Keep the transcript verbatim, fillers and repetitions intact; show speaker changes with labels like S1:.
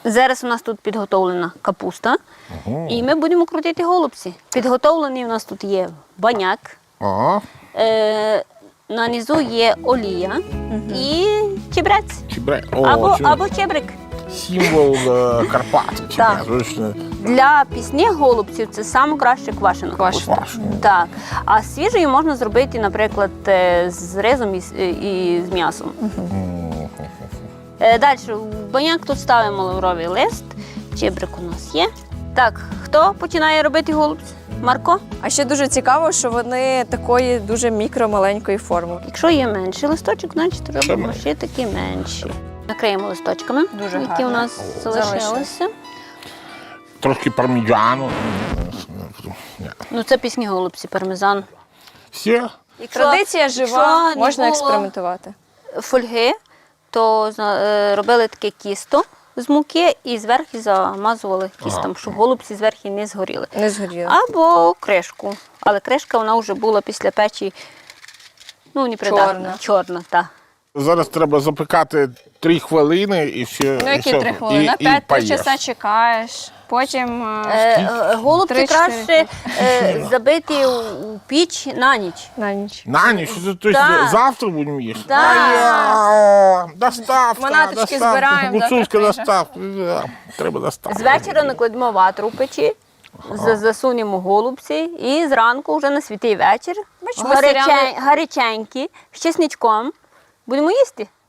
S1: Зараз у нас тут підготовлена капуста,
S2: Ого.
S1: і ми будемо крутити голубці. Підготовлений у нас тут є баняк,
S2: Ага.
S1: е, на низу є олія і чебрець.
S2: Чебре. О,
S1: Або,
S2: це
S1: або чебрик.
S2: символ е, Карпат.
S1: Так.
S2: Чебре, точно.
S1: Для пісних голубців це саме краще квашена капуста.
S2: Квашена.
S1: Так. А свіжою можна зробити, наприклад, е, з ризом і, з- і з м'ясом. Е, Далі, в баняк тут ставимо лавровий лист, чебрик у нас є. Так, хто починає робити голубці? Марко?
S3: А ще дуже цікаво, що вони такої дуже мікро-маленької форми.
S1: Якщо є менший листочок, значить робимо
S2: менше.
S1: ще такі менші. Накриємо листочками,
S3: Дуже
S1: які
S3: гарно.
S1: у нас
S3: Залишилось.
S1: залишилися.
S2: Трошки парміджану. Ні.
S1: Ну, це пісні голубці, пармезан.
S2: Все.
S1: Якщо-
S3: Традиція жива,
S1: якщо не
S3: можна
S1: було
S3: експериментувати.
S1: Фольги, то е, робили таке кісто з муки і зверху замазували кістом, щоб голубці зверху не згоріли.
S3: Не згоріло.
S1: Або кришку. Але кришка вона вже була після печі, ну, непридатна.
S3: Чорна.
S1: Чорна, так.
S2: Зараз треба запекати три хвилини і все.
S3: Ну,
S2: і
S3: які
S2: все.
S3: три хвилини?
S2: І-
S3: На
S2: і
S3: п'ять-три
S2: поїш.
S3: часа чекаєш, потім
S1: Е,
S3: е,
S1: е, голубці
S3: Три-чотири
S1: краще е, забити у, у піч на ніч.
S3: на ніч.
S2: На ніч, то
S1: Так.
S2: завтра будемо їсти?
S1: Так.
S2: А, доставка,
S3: Манаточки
S2: доставка,
S3: збираємо, завтра
S2: гуцульська
S3: приїжджа.
S2: доставка. Да, треба доставка.
S1: З вечора накладемо ватру в печі, за- засунемо голубці і зранку вже на святий вечір
S3: Бачиш, ми
S1: гаряче-
S3: селяни-
S1: гаряченькі, з чесничком будемо їсти.